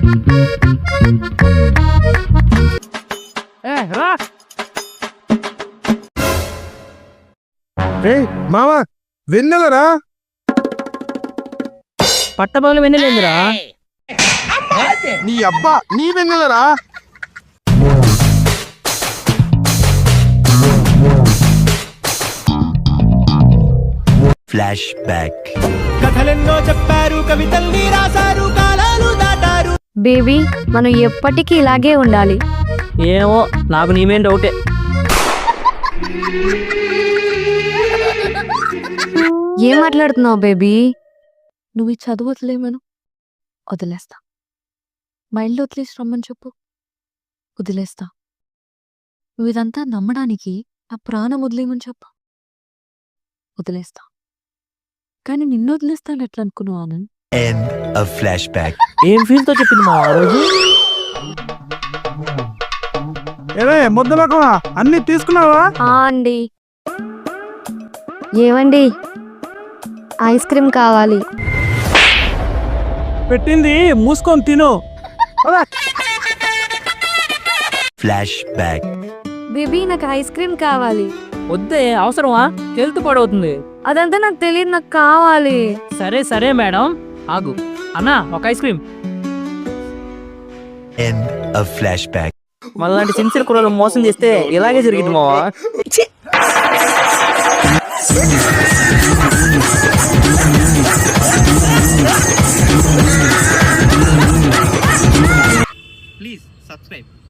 మామా వెన్నెలరా? పట్టపగలు వెన్నెలేందిరా? నీ అబ్బా నీ వెన్నెలరా? Flash back. కథలెన్నో చెప్పారు, కవితల్ని రాశారు, కాలాలు దాటారు. బేబీ మనం ఎప్పటికీ ఇలాగే ఉండాలి. ఏమో నాకు నీమేం డౌటే. ఏం మాట్లాడుతున్నావు బేబీ? నువ్వు ఈ చదువు వదిలేమను వదిలేస్తా. మైండ్ వదిలేసి రమ్మని చెప్పు, వదిలేస్తా. నువ్వు ఇదంతా నమ్మడానికి నా ప్రాణం వదిలేమని చెప్పు, వదిలేస్తా. కానీ నిన్ను వదిలేస్తాను ఎట్లా అనుకున్నావు ఆనంద్? End of flashback. ఏం ఫీల్ తో చెప్పింది మా ఆ రోజు? ఏవే ముద్దలకమా అన్ని తీసుకున్నావా? అండి. ఏమండి ఐస్ క్రీమ్ కావాలి. పెట్టింది మూసుకొని తిను. Flashback. బేబీ నాకు ఐస్ క్రీమ్ కావాలి. వద్దే, అవసరమా? హెల్త్ పాడవుతుంది. అదంతా నాకు తెలియదు, నాకు కావాలి. సరే సరే మేడం, ఆగు. అన్నా ఒక ice cream. End of flashback. మళ్ళీ సిన్సియర్ కుర్రలు మోసం చేస్తే ఇలాగే జరిగింది మావా. Please subscribe.